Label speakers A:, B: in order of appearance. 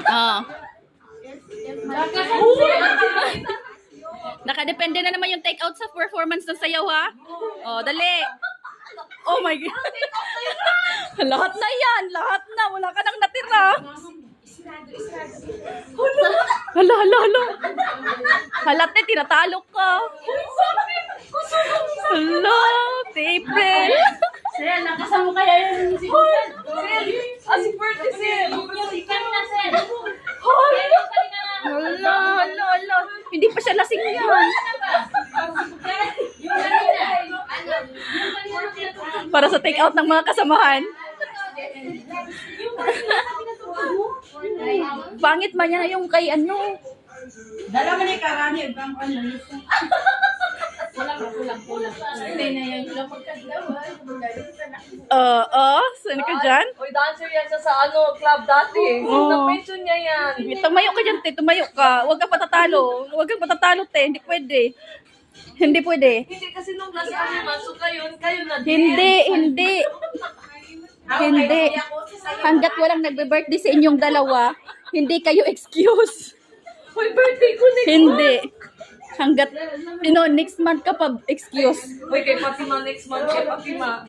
A: Ah. Nakadepende na naman yung take out sa performance ng sayaw, ha? Oh, dali. Oh my God. Lahat na yan. Lahat na. Wala ka nang natira. Hala, hala, hala. Halate, tinatalo ka. Hala, April.
B: Sel, nakasama kaya yun si Sel? Si Bertie Sel. Ikan na Sel.
A: Hala, hala, hala. Hindi pa siya lasing yan. Para sa take out ng mga kasamahan. Pangit man yan yung kay ano.
B: Dala mo ni Karani, ibang ano. Kulang. Hindi na yan. Kulang pagkaglaw.
A: Saan ka dyan?
C: Uy, dancer yan siya sa ano, club dati.
A: Oo.
C: Na-pension niya yan.
A: Tumayo ka dyan, te. Tumayo ka. Huwag kang patatalo. Huwag kang patatalo, te. Hindi pwede. Hindi pwede.
C: Hindi kasi nung last time masok kayo na din.
A: Hindi. Hindi. Hanggat walang nagbe-birthday sa inyong dalawa, hindi kayo excuse.
C: Uy, birthday ko next
A: Hindi. Hanggat, next month ka pa excuse.
C: Uy, kay Fatima next month. Kay Fatima.